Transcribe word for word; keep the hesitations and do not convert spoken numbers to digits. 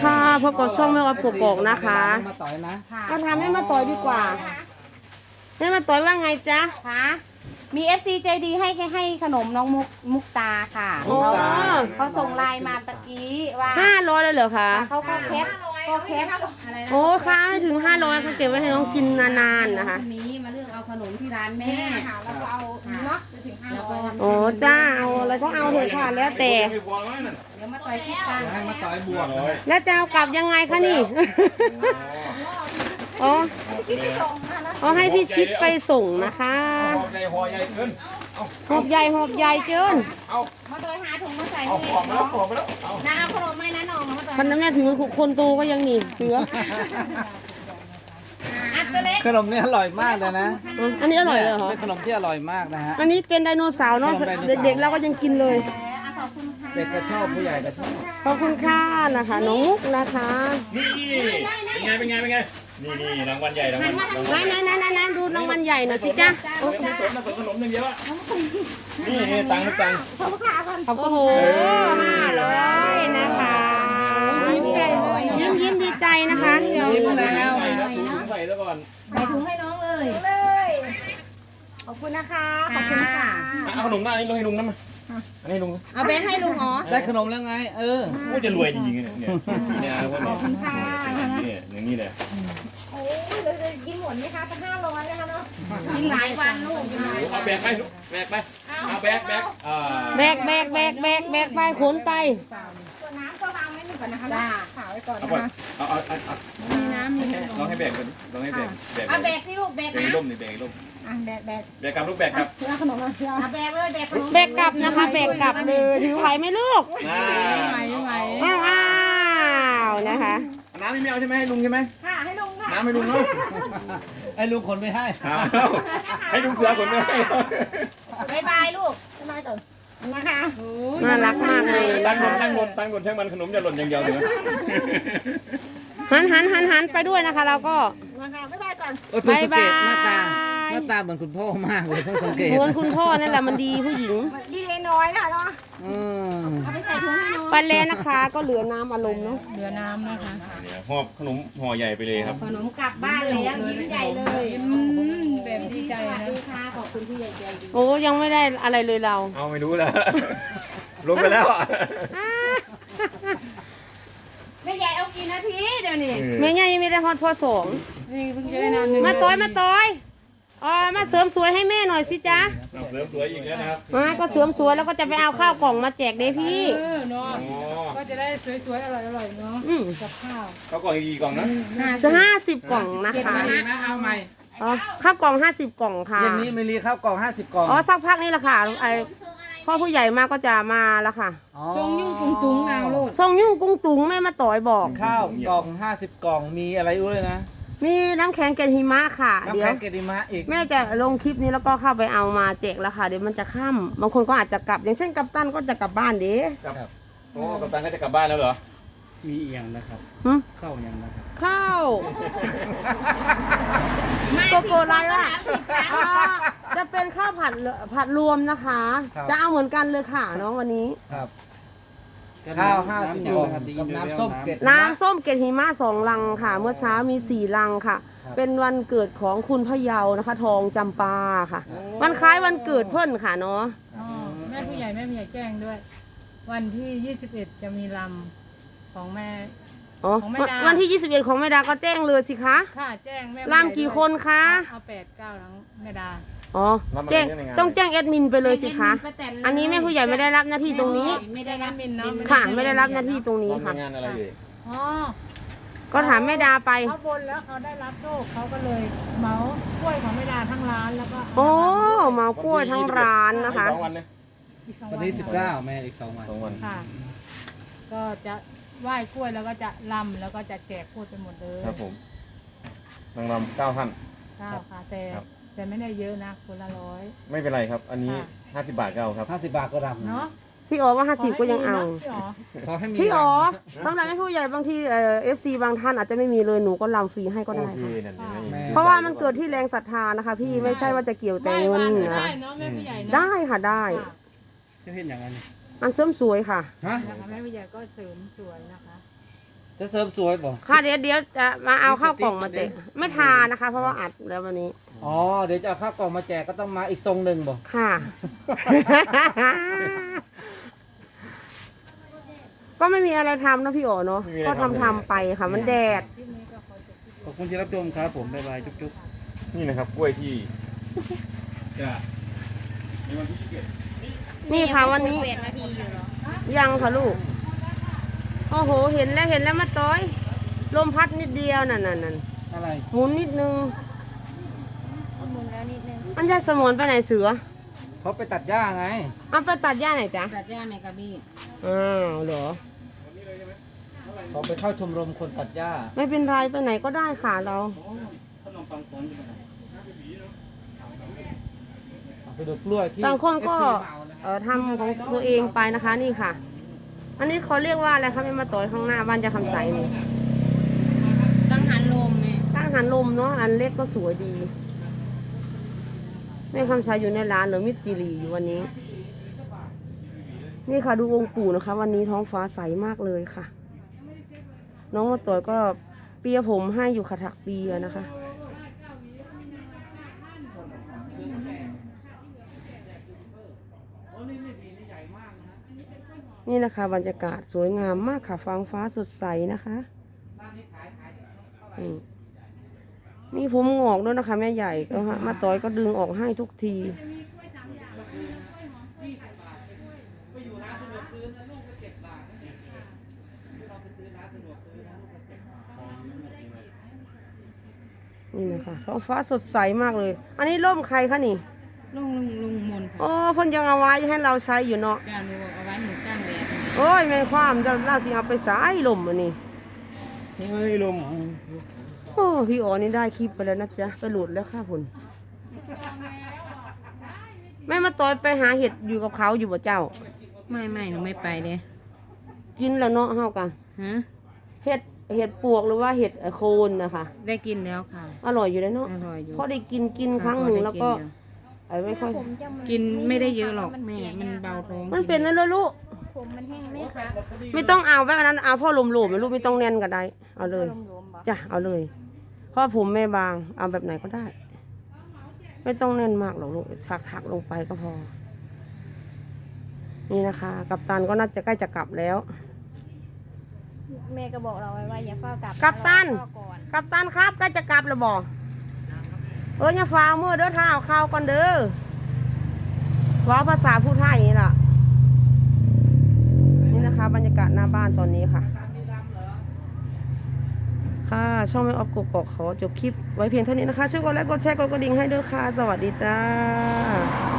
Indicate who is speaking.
Speaker 1: ค่ะพบกับช่องแม่วัดกกอกนะคะ
Speaker 2: มาต่อยนะ
Speaker 1: ก็ทำให้มาต่อยดีกว่าให้มาต่อยว่าไงจ๊ะ
Speaker 3: คะมี เอฟ ซี ใจดีให้ให้ขนมน้องมุกมุกตาค่ะ
Speaker 1: โอ้
Speaker 3: เขาส่งไลน์มาตะกี้ว่า
Speaker 1: ห้าร้อยเลยเหรอคะ
Speaker 3: เขาก็แคปก็แคปอะไรนะ
Speaker 1: โอ้ค่ะไม่ถึงห้าร้อยเขาเก็บไว้ให้น้องกินนานๆนะคะ
Speaker 3: วันนี้มาเลือกเอาขนมที่ร้านแม่แล้วก็เอาเนาะจะถึงห้าร้อย
Speaker 1: โอ้จ้าเอาอะไรก็เอาเถอะค่ะแล้วแต่
Speaker 3: เดี๋ยวมาต่อยคิดกัน
Speaker 2: ให้มาต่อยบวก
Speaker 1: แล้วจะเอากลับยังไงคะนี่อ๋อเอาให้พี่ชิดไปส่งนะคะ
Speaker 4: หอบใหญ่หอบใหญ่เกิน
Speaker 1: หอบใหญ่หอบใหญ่เกิน
Speaker 4: เอา
Speaker 3: มาต่อยหาถุงมาใส่
Speaker 4: เอา
Speaker 3: ให้
Speaker 4: หอบมาแล้วหอบมาแล้วเอา
Speaker 3: น้าเอาขนมไหมนะน้องมาต่อย
Speaker 1: พันน้ำแม่ถือคนโตก็ยังหนีเสือ
Speaker 3: อัดตัวเล็ก
Speaker 2: ขนมนี่อร่อยมากเลยนะ
Speaker 1: อืมอันนี้อร่อยเลยเหรอ
Speaker 2: เป็นขนมที่อร่อยมากนะฮะ
Speaker 1: อันนี้เป็นไดโนเสาร์เนาะเด็กๆเราก็ยังกินเลย
Speaker 3: ขอบคุณค่ะ
Speaker 2: เด็กก็ชอบผู้ใหญ่ก็ชอบ
Speaker 1: ขอบคุณค่ะนะคะน้องมุกนะคะ
Speaker 4: นี่เป็นไงเป็นไงเป็นไงนี่นี่รางวัลใหญ่รางวัล
Speaker 1: ไหนไหนไหนไหนดูรางวัลใหญ่หน่อยสิจ๊ะ
Speaker 4: ไม่สนนะสนขนมอย่างเดียวอะนี่นี่ตังค์ตังค์
Speaker 3: ขอบคุณค่ะก่อน
Speaker 1: ขอบคุณโหห้าร้อยนะคะยิ้มใหญ่เลยยิ้มยิ้มดีใจนะคะ
Speaker 2: ยิ้มแล้ว
Speaker 4: ใส่แล้วถุงใส่แล้วก่อน
Speaker 3: ใส่ถุงให้น้องเลยขอบคุณนะคะขอบคุณค่ะ
Speaker 4: เอาขนมหน้านี้ลงให้ลุงนะมาอันนี้ลุง
Speaker 3: เอาแบงค์ให้ลุงอ๋อ
Speaker 2: ได้ขนมแล้วไง เออ
Speaker 4: กูจะรวยจริงๆเนี่ยเนี่ยเนี่ยขอบคุณค่ะเนี่ยอย่างนี้เลย
Speaker 3: โอ้ยเราจะกินหมดไหมคะเป็นห้าร้อยนะคะเนาะกินหลายวันลูก
Speaker 4: เอาแบกไปแบกไปเอาแบกแบกอ่า
Speaker 1: แบกแบกแบกแบกแบกไปขนไป
Speaker 3: ตัวน้ำก็วางไว้หนึ่งก่อนนะคะจ้าขาวไว้ก่อน
Speaker 4: เอา
Speaker 3: นะ
Speaker 4: ก่อน
Speaker 3: คะ
Speaker 4: เอาเอาเอา
Speaker 3: มีน้ำมีขนม
Speaker 4: ลองให้แบกก่อนลองให้แบกแบก
Speaker 3: เอาแบกที่ลูกแบก
Speaker 4: แบก
Speaker 3: นะ
Speaker 4: ร่มนี่แบกร่ม
Speaker 3: อ่ะแบกแบก
Speaker 4: แบกกับลูกแบกครับ
Speaker 3: เพื่อขนมมาเพื่อเอาแบกเลยแบกขนม
Speaker 1: แบกกลับนะคะแบกกลับเลยถือไหวไหมลูก
Speaker 4: น่า
Speaker 1: อ้าวอ้าวนะคะ
Speaker 4: น้ำนี่ไม่เอาใช่ไหมให้ลุงใช่ไหม
Speaker 3: ค่ะให้ลุงค่ะ
Speaker 4: น้ำให้ลุงเนาะ
Speaker 2: ไอ้ลุงคนไม่ให้
Speaker 4: ให้ลุงเสือคนไม่ให้
Speaker 3: บายบายลูกบ๊ายบายก่อนนะคะ
Speaker 1: น่ารักมากเลย
Speaker 4: ตั้
Speaker 1: นะ
Speaker 4: งบ
Speaker 1: คะ
Speaker 4: นตั้งบนตั้งบนแท่งมันขนมจะหล่นอย่างเดียวเลยนะ
Speaker 1: หันหันหันหันไปด้วยนะคะ เราก็
Speaker 3: นะคะบ๊ายบายก่อน
Speaker 2: โอ้ยเพิ่งสังเกตหน้าตา
Speaker 1: บ๊ายบาย
Speaker 2: หน้าตาเหมือนคุณพ่อมากเลยเพิ่งสังเกต
Speaker 1: เหมือนคุณพ่อนั่นแหละมันดีผู้หญิง
Speaker 3: ดีเลยน้อยค่ะเนาะ
Speaker 2: อืม
Speaker 3: เอาไปใส่ถุงให้น้อง
Speaker 1: ไปแล้วนะคะ ก็เหลือน้ำอารมณ์เนาะ
Speaker 3: เหลือน้ำนะคะ
Speaker 4: เนี่ยหอบขนมห่อใหญ่ไปเลยครับ
Speaker 3: ขนมกลับบ้านแล้วยิ้มใหญ่เลยแบบดีใจนะค่ะขอบคุณที่ใหญ่ใจดี
Speaker 1: โอ้ยังไม่ได้อะไรเลยเรา
Speaker 4: เอาไม่รู้แล้วลงไปแล้ว
Speaker 3: แม่ใหญ่เอากี่นาทีเดี๋ยวนี้
Speaker 1: แม่ยังไม่ได้ฮอตพอสอง
Speaker 3: นี่เพิ่งจะได้น้ำหนึ่ง
Speaker 1: มาต้อยมาต้อยอ๋อมาเสริมสวยให้แม่หน่อยสิจ๊ะ
Speaker 4: เอาเสริมสวยอีกแล้วนะครับ
Speaker 1: มาก็เสริมสวยแล้วก็จะไปเอาข้าวกล่องมาแจกเด้พี่
Speaker 5: เออเนาะ
Speaker 4: อ๋อ
Speaker 5: ก็จะได้สวยๆ อร่อยๆ เนาะ
Speaker 1: อืม
Speaker 5: กับข้าว
Speaker 4: เขากล่องอีกกี่กล่องนะ
Speaker 1: จะห้าสิบกล่องนะคะ
Speaker 2: นี่นะเอาใหม่
Speaker 1: อ๋อข้าวกล่องห้าสิบกล่องค่ะ
Speaker 2: เย็นนี้มีรีข้าวกล่องห้าสิบกล่อง
Speaker 1: อ๋อสักพักนี่แหละค่ะไอพ่อผู้ใหญ่มาก็จะมาแล้วค่ะ
Speaker 2: อ๋อ
Speaker 5: ทรงยุ่งตุงตุงๆเอาโลด
Speaker 1: ทรงยุ่งกุ้งตุงแม่มาต่อยบอก
Speaker 2: ข้าวกล่องห้าสิบกล่องมีอะไรอุ้ยนะ
Speaker 1: มีน้ำแข็งเกล็ดหิมะค่ะ
Speaker 2: น้ำ
Speaker 1: เดี๋ย
Speaker 2: แข็
Speaker 1: ว
Speaker 2: งเกดิมะอีก
Speaker 1: แม่จะลงคลิปนี้แล้วก็เข้าไปเอามาแจกแล้วค่ะเดี๋ยวมันจะค่ำบางคนก็อาจจะกลับ อย่างเช่นกัปตันก็จะกลับบ้านเด้
Speaker 4: ครับโอ้กัปตันก็จะกลับบ้านแล้วเหรอ
Speaker 2: มีอีกอย่างนะครับ
Speaker 1: หึ
Speaker 2: ข้าวอย่างนะครับ
Speaker 1: ข้าวโกโกไลว่าอ่าจะเป็นข้าวผัดเหลือผัดรวมนะคะ จะเอาเหมือนกันเลยค่ะน้องวันนี้
Speaker 2: ครับข้าวห้าสิบกล่องกับน้ำส้มเกล็ด
Speaker 1: น้ำส้มเกล็ดหิมะสองลังค่ะ เมื่อเช้ามีสี่ลังค่ะ เป็นวันเกิดของคุณพะเยานะคะ ทองจำปาค่ะ วันคล้ายวันเกิดเพิ่นค่ะเนาะ
Speaker 5: อ๋อแม่ผู้ใหญ่แม่ผู้ใหญ่แจ้งด้วย วันที่ยี่สิบเอ็ดจะมีลำของแม่
Speaker 1: อ๋อ
Speaker 5: ของแม่ดา
Speaker 1: วันที่ยี่สิบเอ็ดของแม่ดาก็แจ้งเลยสิคะ
Speaker 5: ค่ะแจ้งแม่
Speaker 1: ลำกี่คนคะ
Speaker 5: เอาแปดเก้าทั้งแม่ดา
Speaker 1: อ๋อแจ้งต้องแจ้งแอดมินไปเลยสิคะ อันนี้แม่ผู้ใหญ่ไม่ได้รับหน้าที่ตรงนี้
Speaker 3: ไม่ได้รับ
Speaker 5: มินเนาะ
Speaker 1: ค่ะไม่ได้รับหน้าที่ตรงนี้
Speaker 4: น้อง
Speaker 1: ค่ะ
Speaker 4: ทำงานอะไรอยู่
Speaker 5: อ๋อ
Speaker 1: ก็ถามแม่ดาไป
Speaker 5: เขาบนแล้วเขาได้รับโชคเขาก็เลยเหมากล้วยของแม่ดาทั้งร้านแล้วก็
Speaker 1: โอ้เมากล้วยทั้งร้านนะคะ
Speaker 4: สองวันเลย
Speaker 5: อีกสอง
Speaker 2: วันที่สิบเก้าแม่อีกสองวัน
Speaker 4: สองวัน
Speaker 5: ค่ะ ก็จะไหว้กล้วยแล้วก็จะลำแล้วก็จะแจกพูดไปหมดเลย
Speaker 4: ครับผมนางรำเก้าท่าน
Speaker 5: ข้าวค่ะแต่
Speaker 4: ครับ
Speaker 5: แต่ไม่ได้เยอะนะคนละร้อย
Speaker 4: ไม่เป็นไรครับ อันนี้
Speaker 5: ค่ะ
Speaker 4: ห้าสิบบาทก็เอาครับ
Speaker 2: ห้าสิบบาทก็รำ
Speaker 5: เนาะ
Speaker 1: พี่อ๋อว่าห้าสิบก็ยังเอา
Speaker 5: ขให้มีนะพี่อ๋อ
Speaker 2: ขอให้มี
Speaker 1: พี่อ๋อ
Speaker 2: ร
Speaker 1: สำหรับแม่ผู้ใหญ่บางทีเอ่อฟซีบางท่านอาจจะไม่มีเลยหนูก็ลำฟรีให้ก็ได้
Speaker 4: โอเค
Speaker 1: ค่ะ
Speaker 4: นั่นเอง
Speaker 1: เพราะว่ามันเกิดที่แรงศรัทธานะคะ พี่ไม่ใช่ว่าจะเกี่ยวแต่เงิน
Speaker 5: ไหว้วานก็
Speaker 1: นะ
Speaker 5: ได้เนาะแม่ผู้ใหญ่เนาะ
Speaker 1: ได้ค่ะได้
Speaker 5: ค่ะ
Speaker 2: จะเห็นอย่างนั้น
Speaker 1: อันเสริมสวยค่ะ
Speaker 2: ฮะ
Speaker 5: นะคะแม่ผู้ใหญ่ก็เสริมสวยนะคะ
Speaker 2: จะเสริมสวยบ่
Speaker 1: ค่ะเดี๋ยวเดี๋ยวจะมาเอาข้าวกล่องมาแจกไม่ทานนะคะ เพราะว่าอัดแล้ววันนี้
Speaker 2: อ๋อเดี๋ยวจะเอาข้าวกล่องมาแจกก็ต้องมาอีกทรงหนึ่งบ่
Speaker 1: ค่ะ ก็ไม่มีอะไรทำนะพี่โอเนาะก็ทำทำไปค่ะมันแดด
Speaker 2: ขอบคุณที่รับชมครับผมบ๊ายบายจุ๊บ
Speaker 4: นี่นะครับกล้วยที่จะในวันที่ยี่สิบเอ็ด
Speaker 1: นี่ค่ะวันนี้
Speaker 3: เปลี่ยนนาทีอยู่เหรอ
Speaker 1: ยังค่ะลูก โอ้โห เห็นแล้วเห็นแล้วมาต้อย ลมพัดนิดเดียวนั่นนั่นนั่น
Speaker 2: ๆอะไร
Speaker 1: หมุนนิดนึง
Speaker 3: หมุนแล้วนิดนึง
Speaker 1: มันจะสมนไปไหนเสือ
Speaker 2: เขาไปตัดหญ้าไง
Speaker 1: เอาไปตัดหญ้าไหนจ๊ะ
Speaker 3: ตัดหญ้าแมกะบี้
Speaker 1: อ้าวเหรอ
Speaker 2: เขาไปเข้าชมรมคนตัดหญ้า
Speaker 1: ไม่เป็นไรไปไหนก็ได้ค่ะเรา
Speaker 2: เอาไปดูกล้วยที่
Speaker 1: ต่างคนก็
Speaker 2: เอฟซีเหมานะ
Speaker 1: เอ่อทำของตัวเองไปนะคะนี่ค่ะ อันนี้เขาเรียกว่าอะไรคะไม่มาต่อยข้างหน้าบ้านจะคำใสนี่
Speaker 3: กังหันลมแม่
Speaker 1: ตั้งหันลมเนาะอันเล็กก็สวยดีแม่คำใสอยู่ในร้านเหรือมิตรจิรีอยู่วันนี้ นี่ค่ะดูองค์ปู่นะคะ วันนี้ท้องฟ้าใสมากเลยค่ะ น้องมาต่อยก็เปียผมให้อยู่ค่ะถักเปียนะคะ นี่นะคะบรรยากาศสวยงามมากค่ะฟางฟ้าสดใสนะคะอืมมีผมงอกด้วยนะคะ แม่ใหญ่ก็ฮะมาต่อยก็ดึงออกให้ทุกที นี่นะคะท้องฟ้าสดใสมากเลย อันนี้ร่มใครคะนี่
Speaker 3: ลุงลุงลุงมนค่ะ
Speaker 1: โอ้เพ่นยังเอาไว้ให้เราใช้อยู่เนาะ
Speaker 3: จานหนูบอกเอาไว้หนูกลางแดด
Speaker 1: โอ้ยแม่ความจะเราสิเอาไปสายลมอันนี้
Speaker 2: เฮ้ยลม
Speaker 1: โอ้พี่อ๋อนี่ได้คลิปไปแล้วนะจ๊ะ ไปโหลดแล้วค่ะผลแม่มาต่อยไปหาเห็ดอยู่กับเขาอยู่บ่เจ้า
Speaker 3: ไม่ไม่หนูไม่ไปเลย
Speaker 1: กินแล้วเนาะเฮากัน
Speaker 3: ฮะ
Speaker 1: เห็ดเห็ดปวกหรือว่าเห็ดโคนนะคะ
Speaker 3: ได้กินแล้วค่ะ
Speaker 1: อร่อยอยู่แล้วเนาะ
Speaker 3: อร่อยอยู่
Speaker 1: พอได้กินกินครั้งหนึ่งแล้วก็ไอ้ไม่ค่อย
Speaker 3: กินไม่ได้เยอะหรอกแม่มันเบาท้อง
Speaker 1: มันเป็นนั่นแล้วลูก
Speaker 3: ผมมันแห้งไหมคะ
Speaker 1: ไม่ต้องเอาแบบนั้นเอาพ่อหลุมๆนะลูกไม่ต้องแน่นก็ได้ เอาเลย
Speaker 3: รวมๆบ่
Speaker 1: จ้ะเอาเลยเพราะผมแม่บางเอาแบบไหนก็ได้ ไม่ต้องแน่นมากหรอกลูกถักถักๆลงไปก็พอ นี่นะคะ กัปตันก็น่าจะใกล้จะกลับแล้ว
Speaker 6: แม่ก็บอกเราไว้ว่าอย่าเฝ้ากลับ
Speaker 1: กัปตัน
Speaker 6: รอพ่อก่อน
Speaker 1: กัปตันครับใกล้จะกลับแล้วบอกเอออย่าฟ้าวมือเด้อเท้าข้าวก่อนเด้อว่าภาษาผู้ไทยนี่ล่ะนี่นะคะ บรรยากาศหน้าบ้านตอนนี้ค่ะ ค่ะ ช่องแม่ออฟกกอกขอจบคลิปไว้เพียงเท่านี้นะคะ ช่วยกดไลค์กดแชร์กดกระดิ่งให้ด้วยค่ะ สวัสดีจ้า